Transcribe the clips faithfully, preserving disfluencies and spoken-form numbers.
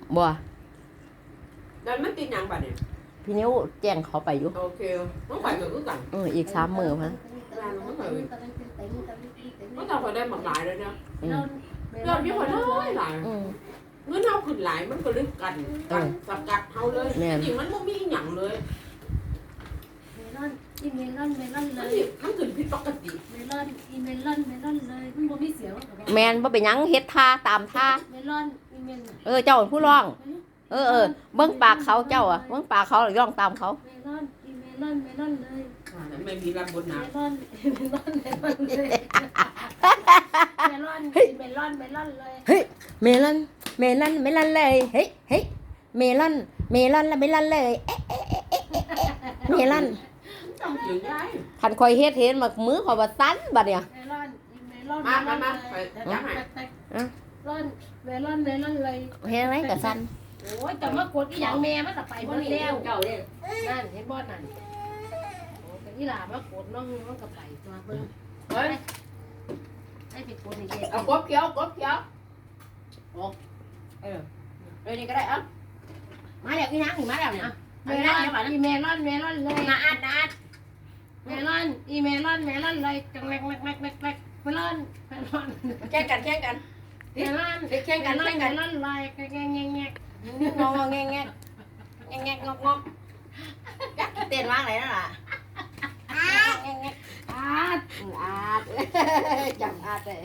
บ่แล้วมันติดหยังบัดเนี่ยพี่นิ้วแจ้งเขาไปอยู่โอเคต้องไปก็คือกันเอออีกสามมื้อมั้งก็ต้องคนได้หมากหลายเลยเนี่ยเรามีคนน้อยหลายเงินเฮาขึ้นหลายมันก็ลึกกันกันสกัดเฮาเลยจริงมันบ่มีหยังเลยเมลอนอีเมลอนเมลอนเลยมันขึ้นผิดปกติเมลอนอีเมลอนเมลอนเลยมันบ่มีเสียงแม่นบ่เป็นหยังเฮ็ดท่าตามท่าเมลอนอีเมลเออเจ้าเป็นผู้ร้องเออเออเบิ่งปากเขาเจ้าอ่ะเบิ่งปากเขาร้องตามเขาเมลอนอีเมลอนเมลอนเลยนั้นไม่มีรับบนน้ำเมลอนเมลอนเมลอนเลยเมลอนเมลอนเมลอนเลยเฮ้ยเมลอนเมลอนเมลอนเลยเฮ้ยเฮ้ยเมลอนเมลอนและเมลอนเลยเอ๊ะเอ๊ะเอ๊ะเอ๊ะเมลอนต้องถึงได้คันคอยเฮ็ดเห็นมามือข่อยว่าสั่นบัดเนี่ยเมลอนอีเมลอนมามามาไปจับให้เมลอนเมลอนเมลอนเลยเฮ็ดไหมก็สั่นโอ้ยแต่ว่ากดอีหยังแม่มันไปบ่แล้วเจ้าเด้นั่นเห็นบ่นั่นโอ้แต่อีหล่ามากดน้องมันก็ไปตัวเบิ่งเฮ้ยให้ไปกดนี่เด้เอากบเขียวกบเขียวโอ้เออเลยนี่ก็ได้เอ้ามาแล้วอีนางนี่มาแล้วเนี่ยเมลอนอีเมลอนเมลอนเลยนาอัดนาอัดเมลอนอีเมลอนเมลอนเลยจังแรกแรกแรกแรกแรกเมลอนเมลอนแข่งกันแข่งกันเมลอนแข่งกันแข่งกันเมลอนลายแง่แง่แง่งงงแงแงแงแงงงงจักเต้นว่างไหนนั่นล่ะอาดอาดอาดจำอาดเลย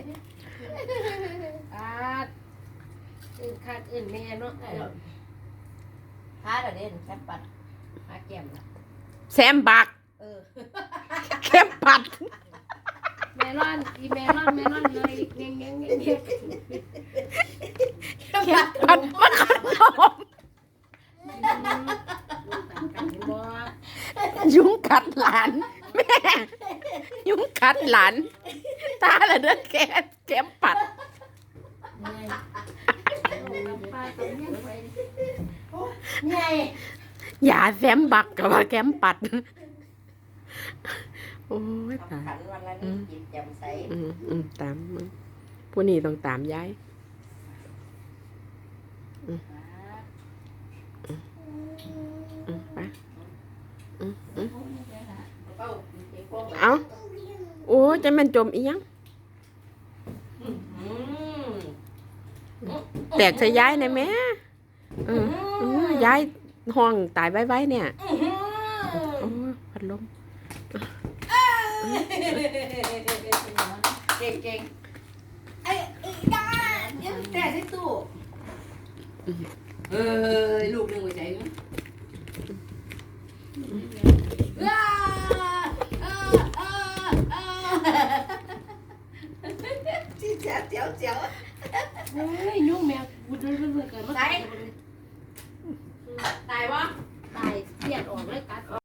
อาดอื่นขาดอื่นแม่เนาะฮาเด่นแซ่บปัดฮาแก้มแซมบักเออเข้มปัดเมลอนอีเมลอนเมลอนเลยแง่แง่แง่แง่เข้มปัดมันขนมยุงกัดหลานแม่ยุงกัดหลานตาละเด้อแกเข็มปัดอย่าแซมบักกับว่าแกมปัดโอ้ยตายอืมอืมตามผู้นี้ต้องตามย้ายอืมอืมไปอืมอืมเอาโอ้จะมันจมอีหยังแตกใส่ย้ายในแม่เออย้ายห้องตายไว้ๆเนี่ยโอ้พัดลมเก่งเก่งไอ้ไอ้ยาเนี่ยแต่ที่ตู้เออลูกหนึ่งหัวใจมั้ยว้าเออเออเออจีเจ๋วเจ๋วเจ๋วเฮ้ยยุ่งแมวบุดเรื่อยๆเกิดมาตายตายปะ